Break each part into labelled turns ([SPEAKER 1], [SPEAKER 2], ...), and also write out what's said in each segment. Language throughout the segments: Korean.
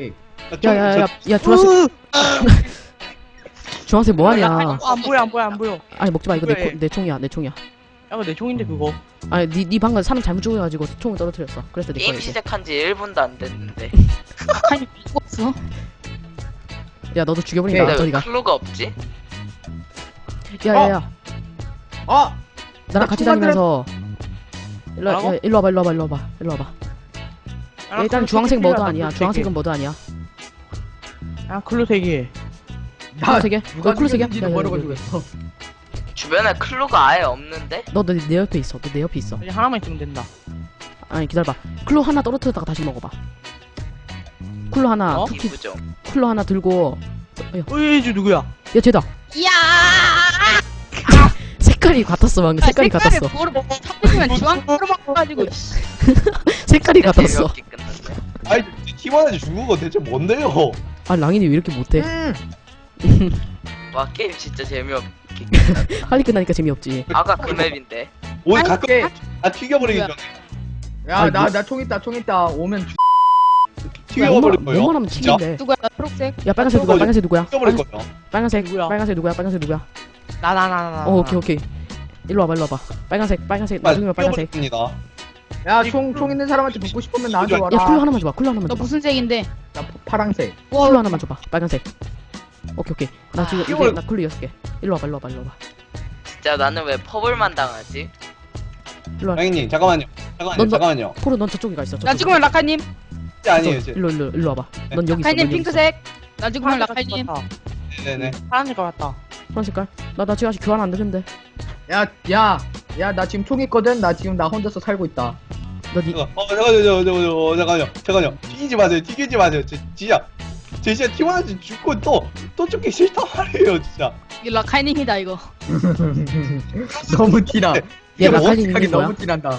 [SPEAKER 1] 오케이.
[SPEAKER 2] 야야야 주황색 주황색 뭐하냐.
[SPEAKER 3] 안 보여 안 보여 안 보여.
[SPEAKER 2] 아니 먹지마 이거
[SPEAKER 3] 왜?
[SPEAKER 2] 내 총이야 내 총이야.
[SPEAKER 3] 야 내 총인데 그거.
[SPEAKER 2] 아니 니 방금 사람 잘못 죽여가지고 총을 떨어뜨렸어. 그래서 내
[SPEAKER 4] 게임
[SPEAKER 2] 거야 이게.
[SPEAKER 4] 시작한 지 1분도 안 됐는데.
[SPEAKER 5] 아니 죽었어.
[SPEAKER 2] 야 너도 죽여버린다
[SPEAKER 4] 근데 왜
[SPEAKER 2] 저리가.
[SPEAKER 4] 클로가 없지?
[SPEAKER 2] 야야야
[SPEAKER 1] 아!
[SPEAKER 2] 나랑 같이
[SPEAKER 1] 총
[SPEAKER 2] 다니면서
[SPEAKER 3] 뭐라고?
[SPEAKER 2] 일로 와봐 야, 일단 주황색 뭐도 아니야. 주황색은 뭐도 아니야.
[SPEAKER 3] 아 클로 3개.
[SPEAKER 2] 클로색이야?
[SPEAKER 1] 누가
[SPEAKER 2] 클로색이야?
[SPEAKER 1] 죽였는지도 모르고 죽였어.
[SPEAKER 4] 주변에 클로가 아예 없는데?
[SPEAKER 2] 너 내 옆에 있어. 너 내 옆에 있어.
[SPEAKER 3] 이제 하나만 있으면 된다.
[SPEAKER 2] 아니 기다려봐. 클로 하나 떨어뜨렸다가 다시 먹어봐. 클로 하나
[SPEAKER 3] 어?
[SPEAKER 2] 투키
[SPEAKER 4] 이쁘죠?
[SPEAKER 2] 클로 하나 들고.
[SPEAKER 3] 어이 누구야?
[SPEAKER 2] 야 쟤다.
[SPEAKER 5] 이야.
[SPEAKER 2] 색깔이 같았어 방금. 색깔이 같았어.
[SPEAKER 5] 뭐를 먹어? 참으면 주황색으로 바꿔가지고.
[SPEAKER 2] 색깔이 같았어.
[SPEAKER 4] 재미없게 끝났네.
[SPEAKER 6] 아니 팀원한테 죽은 거 대체 뭔데요?
[SPEAKER 2] 아 랑인이 왜 이렇게 못해?
[SPEAKER 4] 와 게임 진짜 재미없게.
[SPEAKER 2] 빨리 끝나니까 재미없지.
[SPEAKER 4] 아까 그 맵인데.
[SPEAKER 6] 오늘 가끔
[SPEAKER 1] 오케이.
[SPEAKER 6] 튀겨버리기
[SPEAKER 5] 뭐야?
[SPEAKER 6] 전에
[SPEAKER 1] 야,
[SPEAKER 2] 아니,
[SPEAKER 1] 나 총 있다. 오면
[SPEAKER 6] 튀겨버릴 거예요.
[SPEAKER 2] 웬만하면
[SPEAKER 6] 진짜?
[SPEAKER 2] 튀긴데.
[SPEAKER 5] 누구야? 나 초록색.
[SPEAKER 2] 야 빨간색 누구야? 빨간색 누구야?
[SPEAKER 6] 튀겨버릴 거예요.
[SPEAKER 2] 빨간색
[SPEAKER 3] 누구야?
[SPEAKER 2] 빨간색 누구야? 빨간색 누구야?
[SPEAKER 3] 나.
[SPEAKER 2] 오케이. 일로 와봐. 빨간색 나중에 빨간색.
[SPEAKER 6] 튀겨버립니다.
[SPEAKER 1] 야, 총 있는 사람한테 붙고 싶으면 나한테
[SPEAKER 2] 야
[SPEAKER 1] 와라.
[SPEAKER 2] 쿨로 하나만 줘봐. 쿨로 하나만
[SPEAKER 5] 너
[SPEAKER 2] 줘봐.
[SPEAKER 5] 무슨 색인데?
[SPEAKER 1] 나 파랑색.
[SPEAKER 2] 쿨로 하나만 줘봐. 빨간색. 오케이. 나 지금 이제
[SPEAKER 6] 이걸-
[SPEAKER 2] 나 쿨로 6개. 일로 와봐.
[SPEAKER 4] 진짜 나는 왜 퍼블만 당하지?
[SPEAKER 2] 일로 와.
[SPEAKER 6] 양이님 잠깐만요.
[SPEAKER 2] 넌-
[SPEAKER 6] 잠깐만요.
[SPEAKER 2] 쿨로 넌 저쪽에 가 있어.
[SPEAKER 5] 나 죽으면 라카님.
[SPEAKER 6] 진짜 아니에요. 제-
[SPEAKER 2] 일로 와봐. 넌 여기 있어.
[SPEAKER 5] 라카님
[SPEAKER 2] 넌 여기 있어.
[SPEAKER 5] 핑크색. 나 죽으면 라카님.
[SPEAKER 6] 네네.
[SPEAKER 3] 파란 색깔 같다.
[SPEAKER 2] 파란 색깔. 나 지금 아직 교환 안 되는데.
[SPEAKER 1] 야, 나 지금 총 있거든. 나 혼자서 살고 있다.
[SPEAKER 2] 너니
[SPEAKER 6] 잠깐만요. 튀기지 마세요. 진짜 팀원한테 죽고 또 죽기 싫단 말이에요 진짜.
[SPEAKER 5] 이 라카님이다 이거.
[SPEAKER 1] 너무 티나.
[SPEAKER 2] 얘 라칼리
[SPEAKER 1] 어떡하게
[SPEAKER 2] 있는 거야?
[SPEAKER 1] 너무 티난다.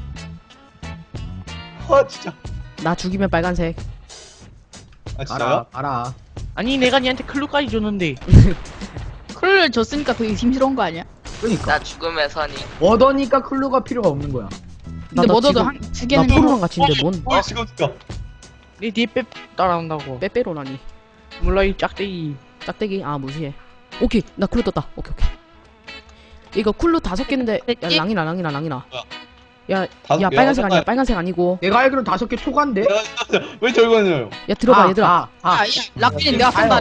[SPEAKER 6] 아 진짜.
[SPEAKER 2] 나 죽이면 빨간색.
[SPEAKER 6] 아 진짜요?
[SPEAKER 1] 알아.
[SPEAKER 3] 아니 내가 니한테 클로까지 줬는데.
[SPEAKER 5] 쿨을 줬으니까 그게 심스러운 거 아니야?
[SPEAKER 1] 그러니까.
[SPEAKER 4] 나 죽음의 선이.
[SPEAKER 1] 얻으니까 클루가 필요가 없는 거야.
[SPEAKER 5] 근데
[SPEAKER 2] 나
[SPEAKER 5] 뭐더도
[SPEAKER 2] 지금-
[SPEAKER 5] 한두
[SPEAKER 2] 나
[SPEAKER 5] 개는
[SPEAKER 2] 프로랑 같이 있는데 뭔
[SPEAKER 6] 지금 진짜.
[SPEAKER 3] 내 뒤에 빼 따라온다고.
[SPEAKER 2] 빼빼로라니.
[SPEAKER 3] 몰라 이 짝대기.
[SPEAKER 2] 짝대기 아 무시해. 오케이 나 쿨로 떴다. 오케이. 이거 쿨로 5개인데 야
[SPEAKER 5] 됐지?
[SPEAKER 2] 랑이나.
[SPEAKER 6] 뭐야?
[SPEAKER 2] 야
[SPEAKER 6] 다섯 개요?
[SPEAKER 2] 빨간색 아니야.
[SPEAKER 6] 잠깐.
[SPEAKER 2] 빨간색 아니고.
[SPEAKER 1] 내가 알기로 5개 초과인데.
[SPEAKER 6] 왜 저거는요?
[SPEAKER 2] 야 들어봐 얘들아.
[SPEAKER 5] 야, 라카님 내가 판다.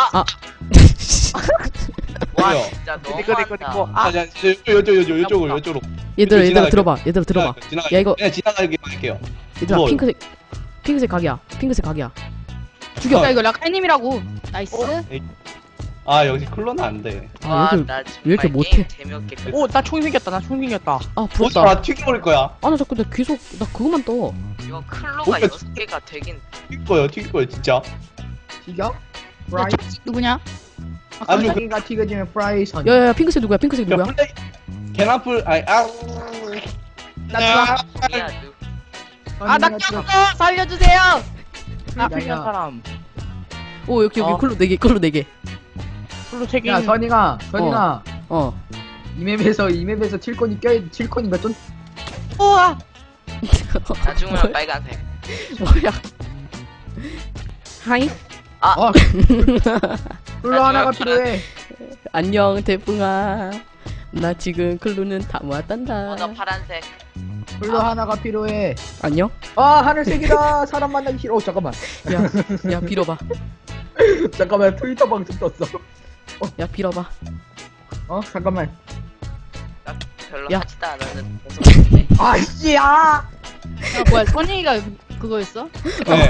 [SPEAKER 4] 와
[SPEAKER 6] 왜요?
[SPEAKER 4] 진짜
[SPEAKER 3] 내꺼, 내꺼,
[SPEAKER 4] 너무한다.
[SPEAKER 3] 내꺼.
[SPEAKER 6] 아, 이쪽으로.
[SPEAKER 2] 얘들아 들어봐. 야, 이거-
[SPEAKER 6] 그냥 지나가기만 할게요.
[SPEAKER 2] 얘들아
[SPEAKER 6] 무서워요.
[SPEAKER 2] 핑크색 각이야. 죽여.
[SPEAKER 5] 야 이거 라카님이라고. 나이스.
[SPEAKER 6] 아 역시 클로는 안 돼.
[SPEAKER 2] 아,
[SPEAKER 4] 와,
[SPEAKER 2] 왜 이렇게-
[SPEAKER 4] 나
[SPEAKER 2] 왜
[SPEAKER 4] 정말
[SPEAKER 2] 이렇게
[SPEAKER 4] 게임
[SPEAKER 2] 못해?
[SPEAKER 4] 재미없게 끝.
[SPEAKER 3] 오 나 총 생겼다.
[SPEAKER 2] 아
[SPEAKER 6] 오지
[SPEAKER 2] 부럽다.
[SPEAKER 6] 마 튀겨버릴 거야.
[SPEAKER 2] 아 나 자꾸 나 계속 나 그것만 떠.
[SPEAKER 4] 이거 클로가
[SPEAKER 6] 뭔가
[SPEAKER 4] 6개가 되긴.
[SPEAKER 6] 튀길 거예요 진짜.
[SPEAKER 1] 튀겨?
[SPEAKER 5] 야
[SPEAKER 1] 프라이.
[SPEAKER 5] 초록색 누구냐?
[SPEAKER 6] 아주
[SPEAKER 1] 자기가 튀겨지면 프라이 선.
[SPEAKER 2] 야야야 핑크색 누구야?
[SPEAKER 6] 야 플레이 개나풀
[SPEAKER 5] 나 좋아.
[SPEAKER 4] 야 누.
[SPEAKER 5] 아나 꼈어. 살려주세요.
[SPEAKER 3] 나
[SPEAKER 1] 야,
[SPEAKER 3] 필요한
[SPEAKER 1] 야.
[SPEAKER 3] 사람.
[SPEAKER 2] 오 여기
[SPEAKER 1] 어.
[SPEAKER 2] 쿨로 4개. 쿨로 4개.
[SPEAKER 3] 클로 3개.
[SPEAKER 1] 야, 선이가
[SPEAKER 2] 어.
[SPEAKER 1] 이 맵에서 칠콘인가 좀
[SPEAKER 3] 우와.
[SPEAKER 4] 나 죽으면 빨간색.
[SPEAKER 2] 뭐야? 하이.
[SPEAKER 1] 어. 클루 하나가 필요해.
[SPEAKER 2] 안녕 태풍아. 나 지금 클루는 다 모았단다.
[SPEAKER 4] 너 파란색.
[SPEAKER 1] 클루 하나가 필요해.
[SPEAKER 2] 안녕.
[SPEAKER 1] 아, 하늘색이다. 사람 만나기 싫어. 잠깐만.
[SPEAKER 2] 야 빌어봐.
[SPEAKER 1] 잠깐만. 트위터 방송 떴어.
[SPEAKER 2] 야 빌어봐.
[SPEAKER 1] 잠깐만.
[SPEAKER 4] 별로
[SPEAKER 2] 야.
[SPEAKER 4] 하지도 않았는 모습인데.
[SPEAKER 1] 아씨야.
[SPEAKER 5] 야 뭐야 선이가 그거였어?
[SPEAKER 6] 네.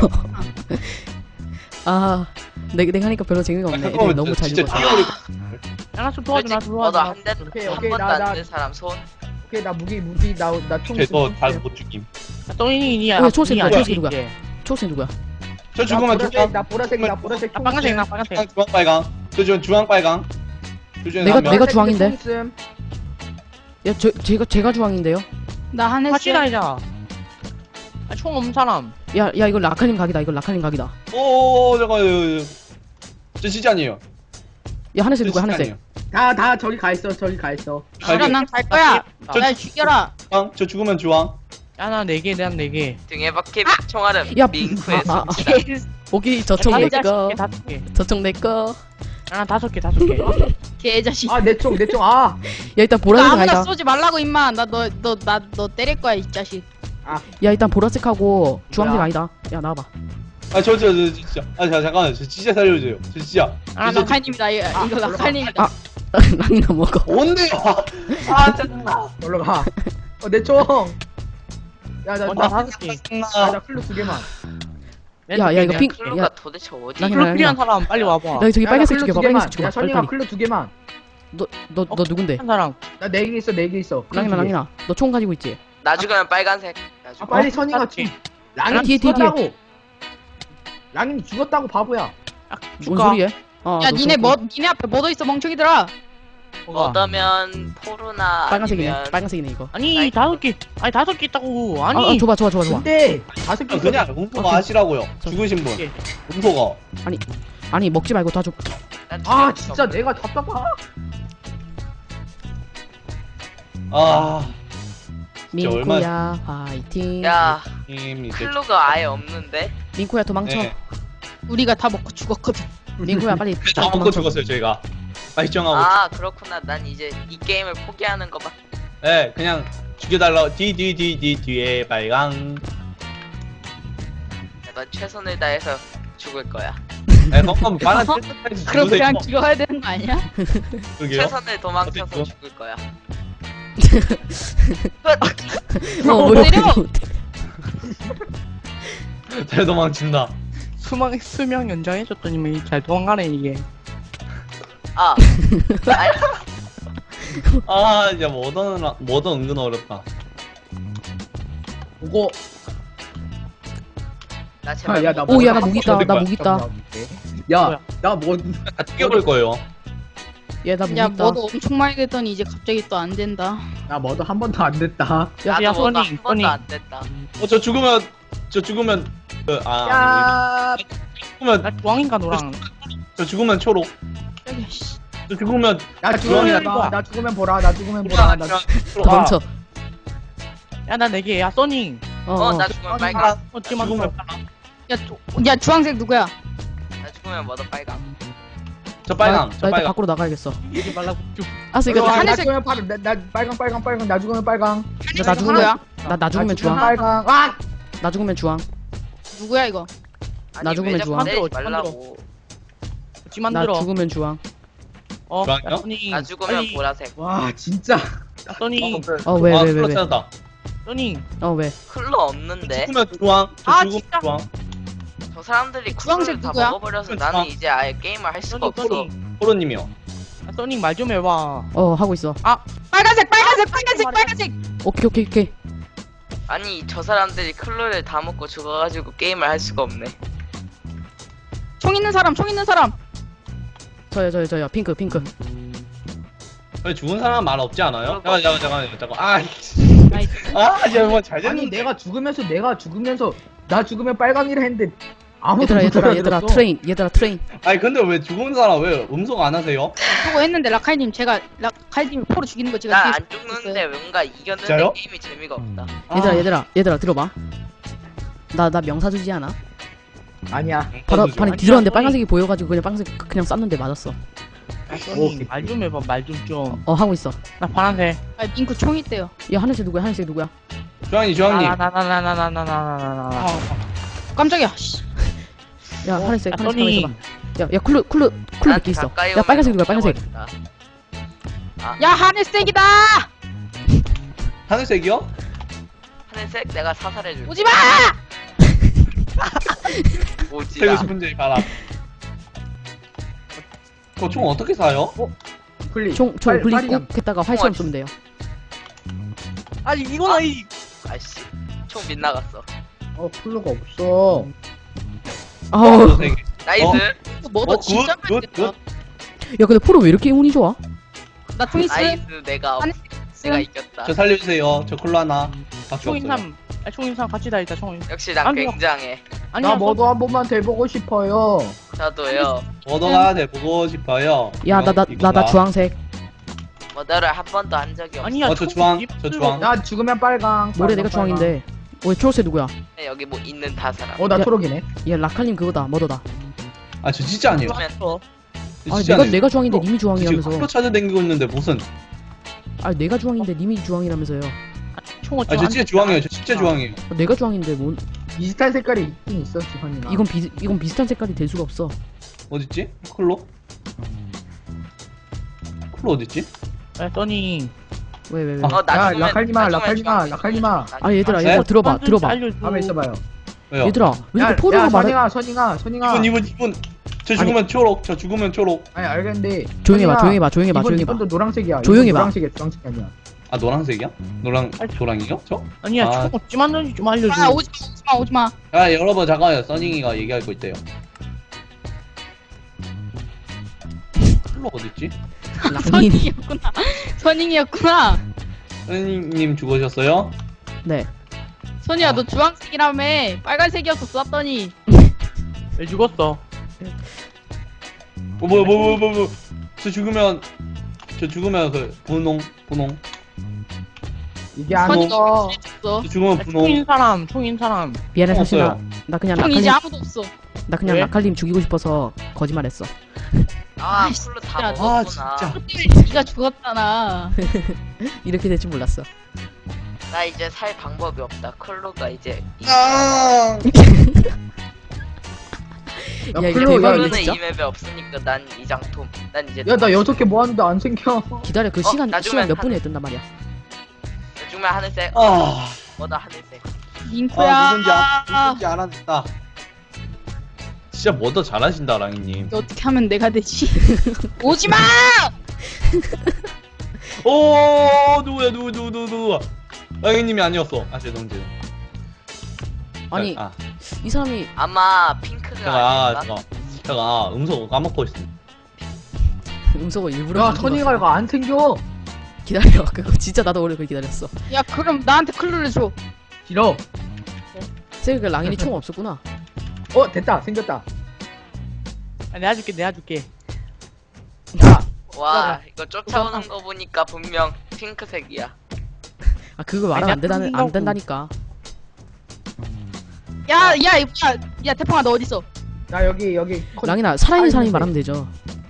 [SPEAKER 2] 아 내가 하니까 별로 재미가 없네. 애들이
[SPEAKER 6] 잠깐만
[SPEAKER 2] 너무 잘
[SPEAKER 6] 진짜
[SPEAKER 2] 죽었어.
[SPEAKER 6] 튀겨버릴
[SPEAKER 3] 야나 좀 도와줘. 나
[SPEAKER 4] 솔직히
[SPEAKER 3] 도와줘.
[SPEAKER 4] 너도 한 대도
[SPEAKER 1] 오케이,
[SPEAKER 4] 한
[SPEAKER 1] 오케이,
[SPEAKER 4] 번도
[SPEAKER 1] 나-
[SPEAKER 4] 안
[SPEAKER 1] 나-
[SPEAKER 4] 든 사람 손.
[SPEAKER 1] 오케이, 나 무기 나총
[SPEAKER 6] 거예요. 저다못 죽임.
[SPEAKER 3] 똥이니야.
[SPEAKER 2] 야, 초록색 누구야? 초록색 누구야?
[SPEAKER 6] 저 죽으면 주황
[SPEAKER 1] 나 보라색이다. 보라색.
[SPEAKER 3] 나 빨간색 나 빨간색.
[SPEAKER 6] 주황 빨강. 저 지금 주황 빨강.
[SPEAKER 2] 내가 주황인데?
[SPEAKER 1] 총
[SPEAKER 2] 야 제가 주황인데요.
[SPEAKER 5] 나 하늘색.
[SPEAKER 3] 같이 다니자. 총 없는 사람.
[SPEAKER 2] 야 이거 라카님 각이다.
[SPEAKER 6] 오 잠깐만요. 저 진짜 아니에요.
[SPEAKER 2] 야 하늘색
[SPEAKER 6] 저
[SPEAKER 2] 누구야?
[SPEAKER 6] 진짜
[SPEAKER 2] 하늘색.
[SPEAKER 6] 아니에요.
[SPEAKER 1] 다 저기 가 있어.
[SPEAKER 5] 그럼 난갈 거야.
[SPEAKER 6] 저-
[SPEAKER 5] 날 죽여라.
[SPEAKER 6] 주황. 저 죽으면 주황.
[SPEAKER 3] 야나 4개. 난 4개.
[SPEAKER 4] 등에 박힌 총알은
[SPEAKER 2] 야,
[SPEAKER 4] 밍크의
[SPEAKER 2] 아, 아, 아.
[SPEAKER 4] 손짓.
[SPEAKER 2] 오케이 저총
[SPEAKER 3] 야,
[SPEAKER 2] 내꺼.
[SPEAKER 3] 다섯 개.
[SPEAKER 2] 저총 내꺼.
[SPEAKER 3] 야, 다섯 개, 다섯 개.
[SPEAKER 5] 개자식.
[SPEAKER 1] 아 내 총 내 총 아.
[SPEAKER 2] 야 일단
[SPEAKER 5] 나
[SPEAKER 2] 보라색
[SPEAKER 5] 아무나
[SPEAKER 2] 아니다.
[SPEAKER 5] 쏘지 말라고 임마. 나 너 때릴 거야 이 자식.
[SPEAKER 2] 야 일단 보라색하고 주황색
[SPEAKER 1] 뭐야?
[SPEAKER 2] 아니다. 야 나와봐.
[SPEAKER 6] 저 진짜. 잠깐만. 저 진짜 살려주세요. 저 진짜.
[SPEAKER 3] 아,
[SPEAKER 6] 진짜
[SPEAKER 5] 라칼님이다. 이거 라칼님이다.
[SPEAKER 2] 아. 랑이나 먹어.
[SPEAKER 6] 뭔데요? 아 짜증나.
[SPEAKER 1] 놀러 가. 내 총. 야나
[SPEAKER 3] 나 다섯 개.
[SPEAKER 1] 나 클루 2개만.
[SPEAKER 2] 야, 이거 핑-
[SPEAKER 4] 클루가
[SPEAKER 2] 야.
[SPEAKER 4] 도대체 어디?
[SPEAKER 2] 나-
[SPEAKER 3] 클로 필요한 사람 빨리 와봐.
[SPEAKER 2] 나 저기 빨간색
[SPEAKER 1] 클루
[SPEAKER 2] 죽여봐.
[SPEAKER 1] 2개만.
[SPEAKER 2] 빨간색 죽여봐.
[SPEAKER 1] 야 선이가
[SPEAKER 2] 빨리.
[SPEAKER 1] 클루 2개만.
[SPEAKER 2] 너 누군데?
[SPEAKER 3] 한 사람.
[SPEAKER 1] 나 4개 있어 4개 있어. 클루
[SPEAKER 2] 랑이나
[SPEAKER 1] 2개.
[SPEAKER 2] 랑이나. 너 총 가지고 있지?
[SPEAKER 4] 나 죽으면 빨간색. 나
[SPEAKER 1] 아
[SPEAKER 4] 죽어.
[SPEAKER 1] 빨리 선이가
[SPEAKER 3] 다섯 개.
[SPEAKER 1] 좀. 랑이
[SPEAKER 2] 뒤에, 뒤에,
[SPEAKER 1] 죽었다고. 랑이 죽었다고 바보야.
[SPEAKER 2] 뭔
[SPEAKER 3] 줄까?
[SPEAKER 2] 소리야?
[SPEAKER 5] 야 니네 앞에 뭐 더 있어 멍청이들아.
[SPEAKER 3] 뭐가?
[SPEAKER 4] 얻으면 포르나
[SPEAKER 2] 빨간색이네.
[SPEAKER 4] 아니면
[SPEAKER 2] 빨간색이네 이거.
[SPEAKER 3] 아니, 다섯 개. 아니, 다섯 개 있다고.
[SPEAKER 2] 아,
[SPEAKER 3] 아니.
[SPEAKER 2] 줘봐.
[SPEAKER 1] 근데 5개
[SPEAKER 6] 그냥 음소거 하시라고요.
[SPEAKER 2] 저-
[SPEAKER 6] 죽으신 분.
[SPEAKER 3] 예.
[SPEAKER 6] 음소거.
[SPEAKER 2] 아니 먹지 말고 다 줘.
[SPEAKER 4] 난
[SPEAKER 1] 아
[SPEAKER 4] 죽일
[SPEAKER 1] 진짜
[SPEAKER 4] 수가 없네.
[SPEAKER 1] 내가 답답하.
[SPEAKER 6] 아. 진짜
[SPEAKER 2] 민코야 화이팅.
[SPEAKER 4] 야,
[SPEAKER 6] 이제
[SPEAKER 4] 클루가 아예 없는데.
[SPEAKER 2] 민코야 도망쳐.
[SPEAKER 6] 네.
[SPEAKER 5] 우리가 다 먹고 죽었거든.
[SPEAKER 2] 민코야 빨리
[SPEAKER 6] 다 먹고
[SPEAKER 2] 도망쳐.
[SPEAKER 6] 죽었어요 저희가. 빨리 정하고.
[SPEAKER 4] 아, 그렇구나. 난 이제 이 게임을 포기하는 거밖에.
[SPEAKER 6] 네, 그냥 죽여달라. 뒤에 빨강.
[SPEAKER 4] 난 최선을 다해서 죽을 거야.
[SPEAKER 6] 네, 그럼 빨간 뜰때까지
[SPEAKER 5] 그럼
[SPEAKER 6] 죽으세요.
[SPEAKER 5] 그냥 죽어야 되는 거 아니야?
[SPEAKER 6] 그러게요.
[SPEAKER 4] 최선을 도망쳐서
[SPEAKER 6] 어쨌든.
[SPEAKER 4] 죽을 거야.
[SPEAKER 2] 왜
[SPEAKER 5] 때려!
[SPEAKER 6] 잘 도망친다.
[SPEAKER 3] 수명 연장해줬더니 잘 도망가네, 이게.
[SPEAKER 4] 아, 아니,
[SPEAKER 6] 아, 이제 뭐든 은근 어렵다.
[SPEAKER 1] 보고.
[SPEAKER 4] 나 제발.
[SPEAKER 1] 야, 나
[SPEAKER 2] 오, 야, 나
[SPEAKER 1] 뭐-
[SPEAKER 2] 무기 있다. 나
[SPEAKER 6] 뭐야?
[SPEAKER 2] 무기 있다.
[SPEAKER 1] 야, 나 뭐,
[SPEAKER 6] 다 튀겨볼 거예요.
[SPEAKER 2] 얘 나 무기
[SPEAKER 5] 야
[SPEAKER 2] 있다.
[SPEAKER 5] 뭐도 엄청 많이 됐더니 이제 갑자기 또 안 된다.
[SPEAKER 1] 나 뭐도 한 번도 안 됐다.
[SPEAKER 3] 야,
[SPEAKER 4] 나도 뭐가
[SPEAKER 3] 써니,
[SPEAKER 4] 한 번도
[SPEAKER 3] 써니.
[SPEAKER 4] 안 됐다.
[SPEAKER 6] 저 죽으면
[SPEAKER 1] 야,
[SPEAKER 6] 죽으면
[SPEAKER 3] 나 주황인가 노랑.
[SPEAKER 6] 저 죽으면 초록.
[SPEAKER 5] 저기 씨.
[SPEAKER 6] 저 죽으면
[SPEAKER 1] 나
[SPEAKER 6] 주황이야,
[SPEAKER 1] 죽으면 나 죽으면 보라. 나 죽으면 보라. 나
[SPEAKER 6] 초록.
[SPEAKER 2] 도망쳐.
[SPEAKER 3] 야, 나 네 개. 야, 써니.
[SPEAKER 4] 나 죽으면
[SPEAKER 1] 아니,
[SPEAKER 4] 빨강.
[SPEAKER 3] 어찌만
[SPEAKER 6] 죽으면
[SPEAKER 5] 야 주황색 누구야?
[SPEAKER 4] 나 죽으면 뭐도 빨강.
[SPEAKER 6] 저 빨강.
[SPEAKER 2] 나
[SPEAKER 6] 저
[SPEAKER 2] 일단
[SPEAKER 6] 빨강.
[SPEAKER 2] 밖으로 나가야겠어.
[SPEAKER 3] 이게 말라고 쭉.
[SPEAKER 2] 알았어
[SPEAKER 1] 이거
[SPEAKER 2] 이거
[SPEAKER 1] 나
[SPEAKER 5] 하늘색-
[SPEAKER 1] 죽으면 파란. 나 빨강. 나 죽으면 빨강.
[SPEAKER 2] 나 죽으면
[SPEAKER 5] 누구야?
[SPEAKER 2] 나 죽으면 주황.
[SPEAKER 1] 빨강. 아,
[SPEAKER 2] 나 죽으면 주황.
[SPEAKER 5] 누구야 이거?
[SPEAKER 2] 나 죽으면 주황.
[SPEAKER 4] 내지 말라고.
[SPEAKER 3] 어찌만
[SPEAKER 2] 나
[SPEAKER 3] 들어.
[SPEAKER 2] 죽으면 주황.
[SPEAKER 6] 주황이요?
[SPEAKER 3] 야, 써니.
[SPEAKER 4] 나 죽으면
[SPEAKER 3] 빨리.
[SPEAKER 4] 보라색.
[SPEAKER 1] 와, 진짜.
[SPEAKER 3] 야, 써니.
[SPEAKER 2] 왜, 왜, 왜,
[SPEAKER 6] 클로
[SPEAKER 2] 왜?
[SPEAKER 6] 찾았다.
[SPEAKER 3] 써니.
[SPEAKER 2] 왜?
[SPEAKER 4] 클루 없는데.
[SPEAKER 6] 죽으면 주황. 저
[SPEAKER 3] 아,
[SPEAKER 6] 죽으면
[SPEAKER 3] 진짜?
[SPEAKER 6] 주황.
[SPEAKER 4] 저 사람들이
[SPEAKER 5] 주황색
[SPEAKER 4] 클루를 다
[SPEAKER 5] 누구야?
[SPEAKER 4] 먹어버려서
[SPEAKER 6] 그건
[SPEAKER 4] 나는
[SPEAKER 6] 주황.
[SPEAKER 4] 이제 아예 게임을 할 수가
[SPEAKER 3] 써니,
[SPEAKER 4] 없어.
[SPEAKER 3] 써니.
[SPEAKER 6] 호로님이요.
[SPEAKER 3] 야, 써니 말 좀 해봐.
[SPEAKER 2] 하고 있어.
[SPEAKER 5] 빨간색.
[SPEAKER 2] 오케이.
[SPEAKER 4] 아니, 저 사람들이 클루를 다 먹고 죽어가지고 게임을 할 수가 없네.
[SPEAKER 5] 총 있는 사람.
[SPEAKER 2] 저요. 핑크.
[SPEAKER 6] 왜 죽은 사람 말 없지 않아요? 잠깐. 아,
[SPEAKER 5] 나이스.
[SPEAKER 6] 아, 이제 뭐잘
[SPEAKER 1] 아니,
[SPEAKER 6] 됐는데.
[SPEAKER 1] 내가 죽으면서 나 죽으면 빨강이라 했는데 아무도 못
[SPEAKER 2] 얘들아
[SPEAKER 1] 알아들었어.
[SPEAKER 2] 트레인.
[SPEAKER 6] 아니 근데 왜 죽은 사람 왜 음소거 안 하세요?
[SPEAKER 5] 그거 했는데 라칼님 제가 라칼님이 포로 죽이는 거 제가
[SPEAKER 4] 나
[SPEAKER 5] 뒤에
[SPEAKER 4] 안 죽는데 뭔가 이겼는데
[SPEAKER 6] 진짜요?
[SPEAKER 4] 게임이 재미가 없다.
[SPEAKER 2] 얘들아 들어봐. 나 명사 주지 않아?
[SPEAKER 1] 아니야.
[SPEAKER 2] 바로
[SPEAKER 6] 아니,
[SPEAKER 2] 뒤졌는데
[SPEAKER 3] 써니.
[SPEAKER 2] 빨간색이 보여가지고 그냥 빨간색 그냥 쐈는데 맞았어.
[SPEAKER 3] 야, 써니. 말 좀 해봐. 말 좀.
[SPEAKER 2] 하고 있어.
[SPEAKER 3] 나 파란색.
[SPEAKER 5] 아 밍크 총 있대요.
[SPEAKER 2] 야 하늘색 누구야?
[SPEAKER 6] 주황님.
[SPEAKER 3] 나나나나나나나나나.
[SPEAKER 5] 깜짝이야. 씨.
[SPEAKER 2] 야 하늘색 가만
[SPEAKER 3] 써니.
[SPEAKER 2] 있어봐. 야 클루 몇 개 있어. 야 빨간색 누구야? 빨간색.
[SPEAKER 5] 야 하늘색이다.
[SPEAKER 6] 하늘색이요?
[SPEAKER 4] 하늘색 내가 사살해줄게.
[SPEAKER 5] 오지 마.
[SPEAKER 4] 오지라.
[SPEAKER 6] 살고 싶은 지 봐라. 총 어떻게 사요?
[SPEAKER 1] 플리.
[SPEAKER 2] 총
[SPEAKER 1] 빨리,
[SPEAKER 2] 굴리
[SPEAKER 1] 빨리
[SPEAKER 2] 꾹 했다가 활처럼 쏘면 돼요.
[SPEAKER 3] 아니, 이거는 이.
[SPEAKER 4] 아이씨, 총 빗나갔어.
[SPEAKER 1] 플루가 없어.
[SPEAKER 2] 아우.
[SPEAKER 6] 네 개.
[SPEAKER 4] 나이스.
[SPEAKER 5] 뭐도 진짜 많이
[SPEAKER 6] 굿.
[SPEAKER 5] 됐다.
[SPEAKER 2] 야 근데 프로 왜 이렇게 운이 좋아?
[SPEAKER 5] 나 총 있어.
[SPEAKER 4] 나이스. 내가 이겼다.
[SPEAKER 6] 저 살려주세요. 저 콜라 하나. 밖에 없어요.
[SPEAKER 3] 총인삼. 아, 총인삼 같이 다 있다, 총.
[SPEAKER 4] 역시 난
[SPEAKER 3] 아니요.
[SPEAKER 4] 굉장해.
[SPEAKER 3] 아니야,
[SPEAKER 1] 나 뭐도 한 번만 돼보고 싶어요.
[SPEAKER 4] 저도요.
[SPEAKER 6] 머더가 돼보고 싶어요.
[SPEAKER 2] 야 나 주황색.
[SPEAKER 4] 뭐더를 한 번도 한 적이 없어.
[SPEAKER 3] 아니야,
[SPEAKER 6] 저 주황.
[SPEAKER 3] 나
[SPEAKER 1] 나 죽으면 빨강.
[SPEAKER 2] 모래
[SPEAKER 1] 빨강,
[SPEAKER 2] 내가 주황인데. 왜 초록색 누구야?
[SPEAKER 4] 여기 뭐 있는 다 사람.
[SPEAKER 1] 나
[SPEAKER 2] 야.
[SPEAKER 1] 초록이네.
[SPEAKER 2] 얘 라칼님 그거다 머더다.
[SPEAKER 6] 아 저 진짜 아니에요.
[SPEAKER 4] 그러면
[SPEAKER 2] 아
[SPEAKER 6] 진짜
[SPEAKER 2] 내가
[SPEAKER 6] 아니에요.
[SPEAKER 2] 내가 주황인데 님이
[SPEAKER 6] 지금
[SPEAKER 2] 주황이라면서.
[SPEAKER 6] 컬러 찾아다니고 있는데 무슨
[SPEAKER 2] 아 내가 주황인데 님이 주황이라면서요.
[SPEAKER 3] 총을
[SPEAKER 6] 아 저 진짜 주황이에요. 저 진짜 주황이에요.
[SPEAKER 2] 아, 내가 주황인데 뭔?
[SPEAKER 1] 비슷한 색깔이 있긴 있어 지환이랑.
[SPEAKER 2] 이건 비슷한 색깔이 될 수가 없어.
[SPEAKER 6] 어딨지? 컬러? 컬러 어딨지?
[SPEAKER 3] 야 써니
[SPEAKER 2] 왜?
[SPEAKER 6] 아,
[SPEAKER 4] 나
[SPEAKER 1] 야
[SPEAKER 4] 죽으면
[SPEAKER 1] 라칼리마
[SPEAKER 4] 나 죽으면
[SPEAKER 1] 라칼리마 라칼리마.
[SPEAKER 2] 아 얘들아
[SPEAKER 6] 네?
[SPEAKER 2] 얘들아 들어봐
[SPEAKER 3] 완전
[SPEAKER 2] 들어봐.
[SPEAKER 3] 알려줘.
[SPEAKER 1] 가만 있어봐요.
[SPEAKER 6] 왜요?
[SPEAKER 2] 얘들아 왜 이렇게 포로가 말해?
[SPEAKER 1] 선ing아.
[SPEAKER 6] 이분 저 죽으면 초록. 저 죽으면 초록.
[SPEAKER 1] 아니 알겠는데.
[SPEAKER 2] 조용해봐
[SPEAKER 1] 선ing아,
[SPEAKER 2] 조용해봐 조용해봐.
[SPEAKER 1] 이번도 노란색이야.
[SPEAKER 2] 조용히
[SPEAKER 1] 이번
[SPEAKER 2] 봐.
[SPEAKER 1] 노란색이야 주황색이 아니야.
[SPEAKER 6] 아 노란색이야? 노랑이요? 저?
[SPEAKER 3] 아니야
[SPEAKER 6] 아.
[SPEAKER 3] 총 어찌 만드는지 좀 알려줘.
[SPEAKER 5] 아 오지마.
[SPEAKER 6] 아 여러분 잠깐만요. 써닝이가 얘기할 거 있대요. 컬러 어딨지?
[SPEAKER 2] 랑이
[SPEAKER 5] 선ing이었구나.
[SPEAKER 6] 써닝님 죽으셨어요?
[SPEAKER 2] 네.
[SPEAKER 5] 선이야 너 주황색이라며. 빨간색이었어 쐈더니.
[SPEAKER 3] 왜 죽었어?
[SPEAKER 6] 뭐. 저 죽으면 그 분홍.
[SPEAKER 1] 이게 안
[SPEAKER 5] 선이가
[SPEAKER 1] 써.
[SPEAKER 5] 줬어.
[SPEAKER 6] 저 죽으면 분홍.
[SPEAKER 3] 총인 사람.
[SPEAKER 2] 미안해 사실
[SPEAKER 6] 없어요.
[SPEAKER 2] 나 그냥
[SPEAKER 5] 형 이제
[SPEAKER 2] 라칼님
[SPEAKER 5] 아무도 없어.
[SPEAKER 2] 나 그냥
[SPEAKER 3] 왜?
[SPEAKER 2] 라칼님 죽이고 싶어서 거짓말했어.
[SPEAKER 4] 아
[SPEAKER 5] 아이씨,
[SPEAKER 4] 쿨로 다
[SPEAKER 5] 진짜.
[SPEAKER 4] 먹었구나.
[SPEAKER 6] 진짜.
[SPEAKER 5] 네가 죽었잖아.
[SPEAKER 2] 이렇게 될 줄 몰랐어.
[SPEAKER 4] 나 이제 살 방법이 없다. 쿨로가 이제
[SPEAKER 6] 아.
[SPEAKER 1] 야
[SPEAKER 2] 야, 이거
[SPEAKER 1] 클로 야,
[SPEAKER 2] 대박이네,
[SPEAKER 4] 쿨로는
[SPEAKER 2] 진짜?
[SPEAKER 4] 이 맵에 없으니까 난 이장톰. 난 이제
[SPEAKER 1] 나 6개 모았는데 안 생겨.
[SPEAKER 2] 기다려 그
[SPEAKER 4] 어,
[SPEAKER 2] 시간
[SPEAKER 4] 나중엔
[SPEAKER 2] 몇
[SPEAKER 4] 한-
[SPEAKER 2] 분에 뜬단 말이야.
[SPEAKER 4] 죽으면 하늘색.
[SPEAKER 6] 아.
[SPEAKER 4] 뭐다 하늘색.
[SPEAKER 5] 잉코야.
[SPEAKER 6] 누군지 알았다. 진짜 뭐더 잘하신다 랑이님.
[SPEAKER 5] 이거 어떻게 하면 내가 되지? 오지마!
[SPEAKER 6] 오 누구야? 랑이님이 아니었어. 아 죄송.
[SPEAKER 2] 아니
[SPEAKER 6] 아
[SPEAKER 2] 이 사람이
[SPEAKER 4] 아마 핑크가 아닐까?
[SPEAKER 6] 제가 음성 까먹고 있습니다.
[SPEAKER 2] 음소거 일부러
[SPEAKER 1] 야
[SPEAKER 2] 만든 거
[SPEAKER 1] 선ing아
[SPEAKER 2] 같아.
[SPEAKER 1] 이거 안 생겨.
[SPEAKER 2] 기다려 그거 진짜 나도 오래 그걸 기다렸어.
[SPEAKER 5] 야 그럼 나한테 클루를 줘.
[SPEAKER 1] 싫어.
[SPEAKER 2] 쟤 그 랑인이 총 없었구나.
[SPEAKER 1] 됐다 생겼다.
[SPEAKER 3] 아, 내가 줄게.
[SPEAKER 4] 와 이거 쫓아오는 거 보니까 분명 핑크색이야.
[SPEAKER 2] 아 그거 말하면 안 된다는 안 된다니까.
[SPEAKER 5] 야 태풍아 너 어디 있어?
[SPEAKER 1] 나 여기
[SPEAKER 2] 랑이나 살아있는 사람이
[SPEAKER 1] 살아있는데.
[SPEAKER 2] 말하면 되죠.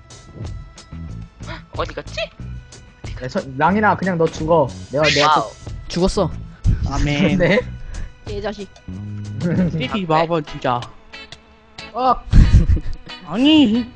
[SPEAKER 4] 어디 갔지?
[SPEAKER 1] 랑이나 그냥 너 죽어. 내가
[SPEAKER 4] 와우.
[SPEAKER 2] 죽었어.
[SPEAKER 3] 아멘.
[SPEAKER 1] 네.
[SPEAKER 5] 얘 자식.
[SPEAKER 3] 띠띠 봐봐 진짜.
[SPEAKER 1] 어,
[SPEAKER 3] 아니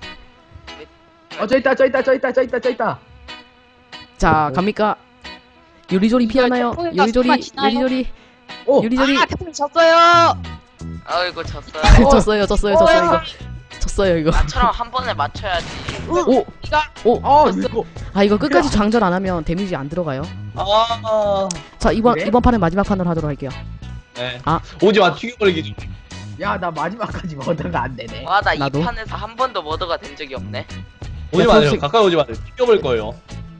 [SPEAKER 1] 저 있다.
[SPEAKER 2] 자 갑니까? 요리조리 피하나요?
[SPEAKER 5] 태풍이가
[SPEAKER 2] 요리조리
[SPEAKER 5] 정말 지나요?
[SPEAKER 2] 요리조리
[SPEAKER 1] 오,
[SPEAKER 2] 요리조리
[SPEAKER 5] 아 태풍 졌어요.
[SPEAKER 4] 아이고 졌어요.
[SPEAKER 2] 졌어요 이거 졌어요 이거.
[SPEAKER 4] 나처럼 한 번에 맞춰야지.
[SPEAKER 2] 오!
[SPEAKER 1] 이거.
[SPEAKER 2] 아 이거 끝까지 장전 안 하면 데미지 안 들어가요.
[SPEAKER 6] 아.
[SPEAKER 2] 자 이번
[SPEAKER 1] 그래?
[SPEAKER 2] 판은 마지막 판으로 하도록 할게요.
[SPEAKER 6] 네.
[SPEAKER 2] 아.
[SPEAKER 6] 오지마 튀겨버리기 좀.
[SPEAKER 1] 야, 나 마지막까지 먹다가 안 되네.
[SPEAKER 4] 와 나 이
[SPEAKER 2] 나도.
[SPEAKER 4] 판에서 한 번도 머더가 된 적이 없네.
[SPEAKER 6] 오지 마세요.
[SPEAKER 2] 초록색-
[SPEAKER 6] 가까이 오지 마세요. 튀겨버릴 거예요.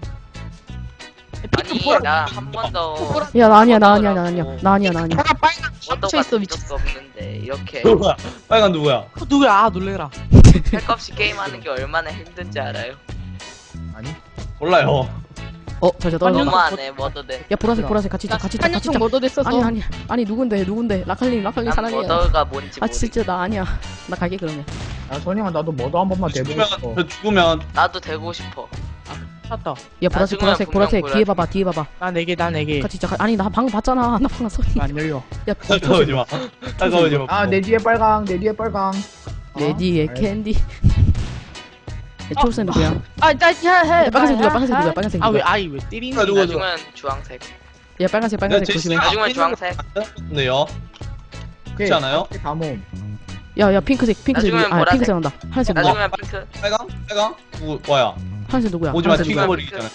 [SPEAKER 4] 아니 나 한 번도
[SPEAKER 2] 야 나 아니야 나 아니야.
[SPEAKER 5] 내가 빨간
[SPEAKER 4] 머더가
[SPEAKER 5] 쳐 있어
[SPEAKER 4] 된
[SPEAKER 5] 미쳤어.
[SPEAKER 4] 적도 없는데 이렇게
[SPEAKER 6] 누구야? 빨간 누구야?
[SPEAKER 3] 누구야? 아 놀래라.
[SPEAKER 4] 할 거 없이 게임하는 게 얼마나 힘든지 알아요?
[SPEAKER 1] 아니.
[SPEAKER 6] 몰라요.
[SPEAKER 2] 잠시만 떨어졌다.
[SPEAKER 4] 너무하네 머더들.
[SPEAKER 2] 야 보라색 같이 있자.
[SPEAKER 5] 한년총 뭐도 됐어서.
[SPEAKER 2] 아니 누군데 라칼님
[SPEAKER 4] 난
[SPEAKER 2] 사랑해요.
[SPEAKER 4] 머더가 뭔지
[SPEAKER 2] 아
[SPEAKER 4] 모르.
[SPEAKER 2] 진짜 나 아니야. 나 갈게 그러면.
[SPEAKER 1] 야, 선영아, 나도 뭐도 한 번만 대보고 싶어.
[SPEAKER 6] 저 죽으면
[SPEAKER 4] 나도 되고 싶어.
[SPEAKER 3] 찾다.
[SPEAKER 2] 야
[SPEAKER 4] 나중에
[SPEAKER 2] 보라색
[SPEAKER 4] 분명
[SPEAKER 2] 뒤에 봐봐
[SPEAKER 3] 나 4개.
[SPEAKER 2] 같이 있자. 아니 나 방금 봤잖아. 나 방금 소리.
[SPEAKER 3] 안 열려.
[SPEAKER 2] 야
[SPEAKER 6] 가까이 오지 마. 가까이 오지 마.
[SPEAKER 1] 아, 내 뒤에 빨강.
[SPEAKER 2] 내 뒤에
[SPEAKER 1] 아,
[SPEAKER 2] 캔디. 야, 초록색 누구야?
[SPEAKER 5] 해.
[SPEAKER 2] 빨간색 누구야? 빨간색
[SPEAKER 3] 아 왜
[SPEAKER 2] 누구야?
[SPEAKER 3] 아이 왜 때리는
[SPEAKER 6] 아, 누구,
[SPEAKER 3] 거야?
[SPEAKER 6] 누구?
[SPEAKER 4] 나중엔 주황색.
[SPEAKER 2] 야 빨간색 조심해.
[SPEAKER 4] 나중엔 주황색.
[SPEAKER 6] 네요. 그렇지 않아요?
[SPEAKER 1] 다몸.
[SPEAKER 2] 야 핑크색
[SPEAKER 4] 나중엔
[SPEAKER 2] 누구야? 아
[SPEAKER 4] 보라색.
[SPEAKER 2] 핑크색 난다. 하늘색 누구야?
[SPEAKER 4] 나중엔 핑크.
[SPEAKER 6] 빨강? 누구 뭐야?
[SPEAKER 2] 하늘색 누구야?
[SPEAKER 6] 오지 마.
[SPEAKER 2] 하늘색 누구야?
[SPEAKER 6] 튀겨버리기 전에.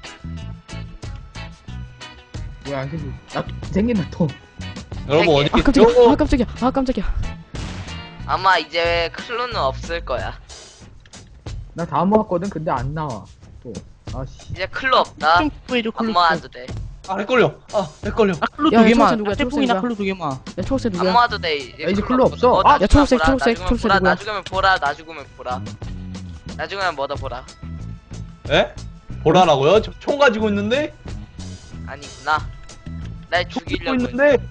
[SPEAKER 1] 뭐야, 안 생긴. 나 생긴다, 또.
[SPEAKER 6] 여러분 어디
[SPEAKER 2] 아 깜짝이야. 아 깜짝이야.
[SPEAKER 4] 아마 이제 클로는 없을 거야.
[SPEAKER 1] 나 다 모았거든, 근데 안 나와. 또. 아씨.
[SPEAKER 4] 이제 클로 없다.
[SPEAKER 3] 좀 구해줘
[SPEAKER 4] 안
[SPEAKER 3] 클루.
[SPEAKER 4] 모아도 돼.
[SPEAKER 6] 아 헷갈려.
[SPEAKER 3] 아 클루
[SPEAKER 2] 야,
[SPEAKER 3] 2개만.
[SPEAKER 2] 초록색 누구야?
[SPEAKER 3] 태풍이나
[SPEAKER 2] 초록색이야.
[SPEAKER 3] 클루 2개만.
[SPEAKER 2] 야 초록색
[SPEAKER 4] 안
[SPEAKER 2] 누구야?
[SPEAKER 4] 모아도 돼.
[SPEAKER 1] 야, 이제 클로 없어.
[SPEAKER 4] 나
[SPEAKER 2] 야, 초록색,
[SPEAKER 4] 보라,
[SPEAKER 2] 초록색,
[SPEAKER 4] 나중엔
[SPEAKER 2] 초록색
[SPEAKER 4] 보라,
[SPEAKER 2] 누구야?
[SPEAKER 4] 나 죽으면 보라. 나중엔 뭐다 보라.
[SPEAKER 6] 에? 보라라고요? 저 총 가지고 있는데?
[SPEAKER 4] 아니구나. 날
[SPEAKER 6] 총 들고
[SPEAKER 4] 죽이려고.
[SPEAKER 6] 있는데?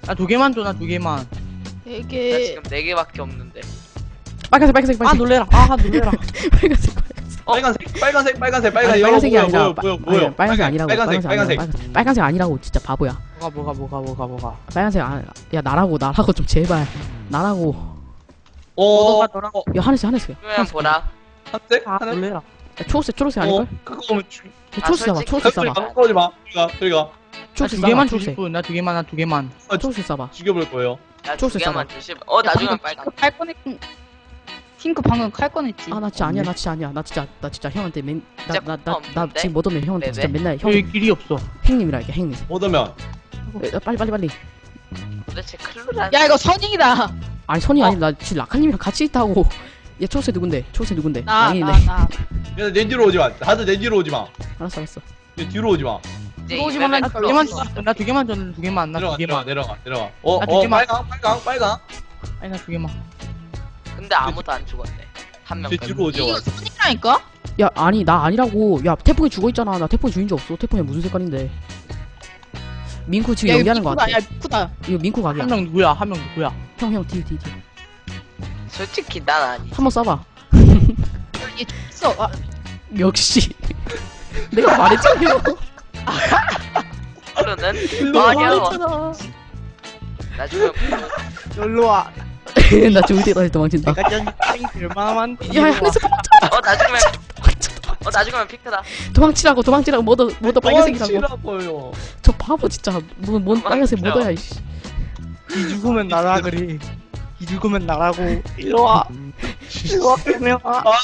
[SPEAKER 3] 나 2개만 줘, 나 2개만.
[SPEAKER 4] 나
[SPEAKER 5] 되게
[SPEAKER 4] 지금 4개밖에 없는데.
[SPEAKER 2] 빨간색 빨간색
[SPEAKER 3] 아,
[SPEAKER 2] 빨간색
[SPEAKER 3] 놀래라. 아, 놀래라.
[SPEAKER 2] 빨간색
[SPEAKER 6] 빨간색
[SPEAKER 2] 아니, 빨간색이 아니라
[SPEAKER 6] 뭐야
[SPEAKER 2] 아니, 빨간색 아니라고 빨간색 아니라고 진짜 바보야.
[SPEAKER 3] 뭐가.
[SPEAKER 2] 빨간색 야 나라고 좀 제발 나라고.
[SPEAKER 6] 어
[SPEAKER 2] 야 하늘색
[SPEAKER 4] 그러면 보라.
[SPEAKER 6] 한색
[SPEAKER 3] 아,
[SPEAKER 6] 하늘
[SPEAKER 3] 놀래라.
[SPEAKER 2] 야, 초록색 아닐걸?
[SPEAKER 6] 그거 오면
[SPEAKER 2] 초록색
[SPEAKER 4] 아,
[SPEAKER 2] 써봐
[SPEAKER 4] 솔직히
[SPEAKER 2] 초록색 써봐
[SPEAKER 6] 가까우지 마 저리가
[SPEAKER 3] 나
[SPEAKER 2] 초록색
[SPEAKER 3] 2개만
[SPEAKER 2] 써봐
[SPEAKER 3] 주실
[SPEAKER 2] 초록색
[SPEAKER 3] 분, 나 2개만, 나 2개만.
[SPEAKER 2] 초록색 써봐.
[SPEAKER 6] 죽여볼 거예요.
[SPEAKER 4] 나
[SPEAKER 2] 초록색
[SPEAKER 4] 2개만 주시. 나중에 빨간.
[SPEAKER 5] 칼 꺼냈. 핑크 방금 칼 꺼냈지.
[SPEAKER 2] 아 나 진짜 아니야 나 진짜 형한테
[SPEAKER 4] 진짜
[SPEAKER 2] 나
[SPEAKER 4] 없는데?
[SPEAKER 2] 지금 못 오면 형한테 진짜
[SPEAKER 4] 네네.
[SPEAKER 2] 맨날 형
[SPEAKER 3] 여기 길이 없어.
[SPEAKER 2] 행님이라 이게 행님.
[SPEAKER 6] 오더면
[SPEAKER 2] 빨리
[SPEAKER 4] 도대체 클로란.
[SPEAKER 5] 야 이거 선잉이다.
[SPEAKER 2] 아니 선이 아니 나 지금 라카님이랑 같이 있다고. 얘 초록색 누군데
[SPEAKER 5] 나
[SPEAKER 2] 양이네.
[SPEAKER 6] 내 뒤로 오지 마. 다들 내 뒤로 오지 마.
[SPEAKER 2] 알았어
[SPEAKER 6] 내 뒤로 오지 마.
[SPEAKER 4] 이제
[SPEAKER 5] 들어오지
[SPEAKER 4] 이번엔
[SPEAKER 5] 말라니까.
[SPEAKER 4] 클로
[SPEAKER 3] 2개만
[SPEAKER 4] 없어.
[SPEAKER 3] 줘. 나 2개만 줘, 2개만, 나 2개만.
[SPEAKER 6] 내려가.
[SPEAKER 3] 나 2개만.
[SPEAKER 6] 빨강.
[SPEAKER 3] 아니, 나 2개만.
[SPEAKER 4] 근데 아무도 안 죽었네. 한 명.
[SPEAKER 6] 제 뒤로 오지
[SPEAKER 5] 이거
[SPEAKER 6] 마.
[SPEAKER 5] 선잉이라니까?
[SPEAKER 2] 야 아니 나 아니라고. 야 태풍이 죽어있잖아. 나 태풍이 주인 줄 없어. 태풍이 무슨 색깔인데. 민쿠 지금
[SPEAKER 5] 야,
[SPEAKER 2] 연기하는 거 같아.
[SPEAKER 5] 야 핑크다.
[SPEAKER 2] 이거 민쿠 각이야.
[SPEAKER 3] 한 명 누구야?
[SPEAKER 2] 형 뒤
[SPEAKER 4] 솔직히 난 아니.
[SPEAKER 2] 한번 쏴봐.
[SPEAKER 5] 얘 있어. 아,
[SPEAKER 2] 역시 내가 말했잖아요.
[SPEAKER 4] 클로는 어려워. 나중에
[SPEAKER 3] 놀러 와.
[SPEAKER 2] 나 죽을 때까지 도망친다.
[SPEAKER 3] 내가 전 얼마나 많은지.
[SPEAKER 2] 야 하늘색
[SPEAKER 4] 나중에 픽트다.
[SPEAKER 2] 도망치라고 모두 빨간색이라고.
[SPEAKER 6] 도망치라고요.
[SPEAKER 2] 저 바보 진짜 뭔 빨간색
[SPEAKER 4] 도망쳐.
[SPEAKER 2] 모더야 이씨.
[SPEAKER 3] 이 죽으면 나라 그래. 이 죽으면 나라고. 일로 와. 일로 와, 그러면.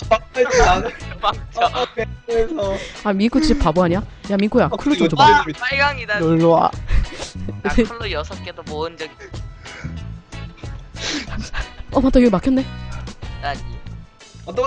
[SPEAKER 4] 도망쳐.
[SPEAKER 6] 그래서
[SPEAKER 2] 아 민쿠 진짜 바보 아니야? 야 민쿠야 클루 좀 줘봐.
[SPEAKER 4] 와 빨강이다.
[SPEAKER 3] 놀러 와.
[SPEAKER 4] 나 클로 6개도 모은 적
[SPEAKER 2] 어 맞다 여기 막혔네.
[SPEAKER 4] 있다니.
[SPEAKER 6] 왔다.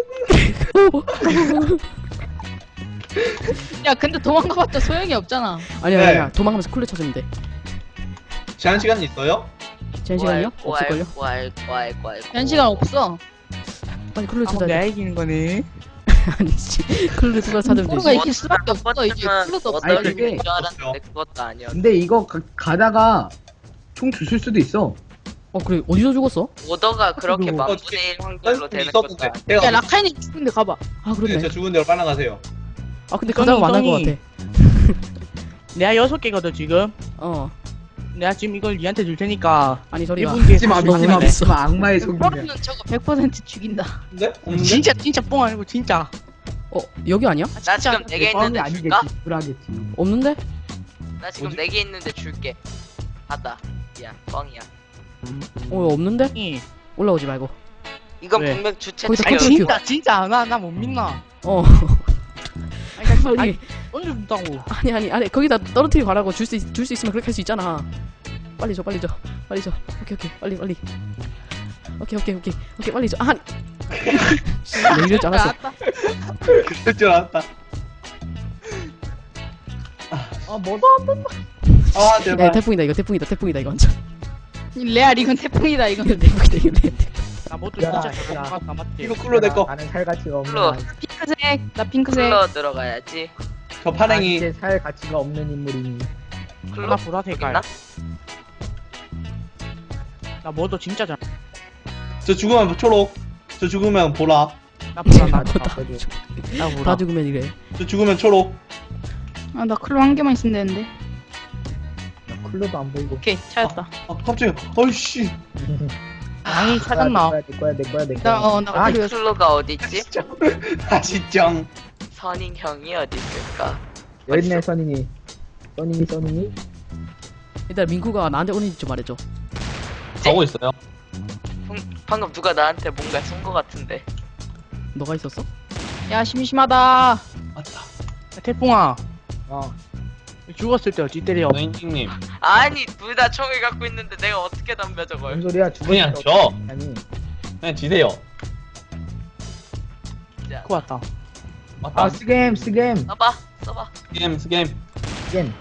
[SPEAKER 5] 야 근데 도망가봤자 소용이 없잖아.
[SPEAKER 2] 아니야 도망가면서 클루 찾으면 돼.
[SPEAKER 6] 제한 시간 있어요?
[SPEAKER 2] 제한 시간이요? 없을걸요?
[SPEAKER 4] 꽈일.
[SPEAKER 5] 연 시간 없어.
[SPEAKER 2] 빨리 클루
[SPEAKER 3] 아,
[SPEAKER 2] 찾아야
[SPEAKER 3] 내가
[SPEAKER 2] 돼.
[SPEAKER 3] 이기는 거네.
[SPEAKER 2] 아니지 클루 찾으면
[SPEAKER 5] 클루가
[SPEAKER 2] 되지.
[SPEAKER 5] 이길 수밖에 없어. 이제 클루도 없어.
[SPEAKER 1] 아니,
[SPEAKER 4] 어떨
[SPEAKER 1] 그게-
[SPEAKER 4] 줄 알았는데 그것도 아니야.
[SPEAKER 1] 근데 이거 가다가 총 주실 수도 있어.
[SPEAKER 2] 어 그래 어디서 죽었어?
[SPEAKER 4] 오더가 그렇게
[SPEAKER 1] 그리고
[SPEAKER 4] 만분의 1 확률로 되는 것도
[SPEAKER 6] 있었는데.
[SPEAKER 4] 아니야.
[SPEAKER 6] 제가
[SPEAKER 5] 야 라카이는 죽은데 가봐.
[SPEAKER 2] 아
[SPEAKER 6] 네,
[SPEAKER 2] 그렇네.
[SPEAKER 6] 저 죽은 대로 빨리 가세요.
[SPEAKER 2] 아 근데 가다가 만날 것 같아.
[SPEAKER 3] 내가 6개거든, 지금.
[SPEAKER 2] 어
[SPEAKER 3] 내가 지금 이걸 니한테 줄 테니까.
[SPEAKER 2] 아니 저리가.
[SPEAKER 3] 1분 뒤에
[SPEAKER 1] 믿지 마,
[SPEAKER 2] 너무
[SPEAKER 1] 믿지 마,
[SPEAKER 2] 많이
[SPEAKER 1] 믿지 마. 악마의 속임이야.
[SPEAKER 5] 그러면 저거 100% 죽인다.
[SPEAKER 6] 근데? 없는데?
[SPEAKER 3] 진짜 뽕 아니고 진짜.
[SPEAKER 2] 어 여기 아니야?
[SPEAKER 4] 나 지금 4개
[SPEAKER 1] 뻥이
[SPEAKER 4] 있는데 줄까?
[SPEAKER 1] 아니겠지. 불하겠지.
[SPEAKER 2] 없는데?
[SPEAKER 4] 나 지금
[SPEAKER 6] 뭐지?
[SPEAKER 4] 4개 있는데 줄게. 받아. 야 뻥이야.
[SPEAKER 2] 어 없는데?
[SPEAKER 3] 이.
[SPEAKER 2] 올라오지 말고.
[SPEAKER 4] 이건
[SPEAKER 3] 왜?
[SPEAKER 4] 분명 주체
[SPEAKER 2] 거기다
[SPEAKER 4] 측이
[SPEAKER 2] 컨트롤
[SPEAKER 4] 없어.
[SPEAKER 3] 진짜 나 못 믿나.
[SPEAKER 2] 어
[SPEAKER 3] 아니,
[SPEAKER 2] 아니
[SPEAKER 3] 아니, 얹어준다고.
[SPEAKER 2] 아니 거기다 떨어뜨리고 가라고 줄 수 있으면 그렇게 할 수 있잖아. 빨리 줘 오케이 빨리 오케이 빨리 줘. 아니 내 이럴 줄 알았어.
[SPEAKER 6] 그럴 줄 알았다.
[SPEAKER 1] 뭐도 안 된다.
[SPEAKER 6] 아
[SPEAKER 2] 야
[SPEAKER 6] 제발.
[SPEAKER 2] 태풍이다 이거 완전.
[SPEAKER 5] 레알 이건 태풍이다 이건.
[SPEAKER 2] 이거 태풍이다 이거 태풍.
[SPEAKER 3] 나 뭣도
[SPEAKER 1] 야,
[SPEAKER 3] 진짜
[SPEAKER 1] 야.
[SPEAKER 3] 잘못 맞지.
[SPEAKER 6] 이거 클로 내 거.
[SPEAKER 1] 나는 살 가치가 없는
[SPEAKER 4] 클로.
[SPEAKER 1] 아이.
[SPEAKER 5] 핑크색. 나 핑크색.
[SPEAKER 4] 클로 들어가야지.
[SPEAKER 6] 저
[SPEAKER 1] 난
[SPEAKER 6] 파랭이.
[SPEAKER 1] 이제 살 가치가 없는 인물이니.
[SPEAKER 4] 클로
[SPEAKER 3] 나 보라 색깔.
[SPEAKER 4] 있나?
[SPEAKER 3] 나 뭐도 진짜 잘.
[SPEAKER 6] 저 죽으면 초록. 저 죽으면 보라.
[SPEAKER 3] 나 보라 나
[SPEAKER 1] 나도
[SPEAKER 3] 보라.
[SPEAKER 1] 다 빼줘.
[SPEAKER 3] 나
[SPEAKER 2] 다
[SPEAKER 3] 보라.
[SPEAKER 2] 죽으면 이래.
[SPEAKER 6] 저 죽으면 초록.
[SPEAKER 5] 아 나 클로 한 개만 있으면 되는데.
[SPEAKER 1] 클로도 안 보이고.
[SPEAKER 5] 오케이 찾았다.
[SPEAKER 6] 아 갑자기. 어이씨.
[SPEAKER 3] 아니 찾았나?
[SPEAKER 1] 내 거야.
[SPEAKER 5] 나
[SPEAKER 1] 아,
[SPEAKER 5] 클로.
[SPEAKER 4] 클로가 어디 있지?
[SPEAKER 6] 아시죠?
[SPEAKER 4] 선인 형이 어디 있을까?
[SPEAKER 1] 여있네 선인이.
[SPEAKER 2] 일단 민쿠가 나한테 오는지 좀 말해줘.
[SPEAKER 6] 가고 있어요.
[SPEAKER 4] 방금 누가 나한테 뭔가 쓴 거 같은데.
[SPEAKER 2] 너가 있었어?
[SPEAKER 5] 야 심심하다.
[SPEAKER 6] 맞다.
[SPEAKER 3] 야, 태풍아.
[SPEAKER 1] 어.
[SPEAKER 3] 죽었을 때 어찌 때려?
[SPEAKER 6] 노인님.
[SPEAKER 4] 아니 둘 다 총을 갖고 있는데 내가 어떻게 덤벼 저걸?
[SPEAKER 1] 뭔 소리야? 죽은
[SPEAKER 6] 그냥
[SPEAKER 1] 적
[SPEAKER 6] 줘.
[SPEAKER 1] 없- 아니.
[SPEAKER 6] 그냥 지세요.
[SPEAKER 3] 그거 같다.
[SPEAKER 6] 맞다.
[SPEAKER 1] 아 스겜.
[SPEAKER 4] 써봐.
[SPEAKER 6] 스겜.
[SPEAKER 1] 스겜.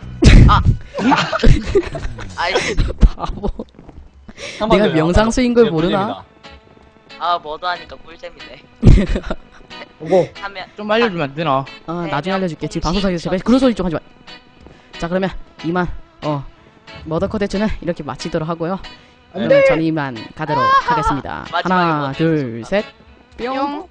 [SPEAKER 4] 아이씨.
[SPEAKER 2] 바보. 내가 명상 쓰인 걸 모르나?
[SPEAKER 4] 아 뭐도 하니까 꿀잼이네.
[SPEAKER 1] 오고.
[SPEAKER 4] 하면
[SPEAKER 3] 좀 알려주면 안 되나?
[SPEAKER 2] 아 나중에 알려줄게. 지금 방송사에서 제발 그런 소리 좀 하지 마. 자 그러면 2만 머더 컨텐츠는 이렇게 마치도록 하고요.
[SPEAKER 1] 안
[SPEAKER 2] 그러면 저는 이만 가도록 하겠습니다.
[SPEAKER 4] 마지막에
[SPEAKER 2] 하나,
[SPEAKER 4] 뭐
[SPEAKER 2] 둘, 셋, 뿅.
[SPEAKER 5] 뿅.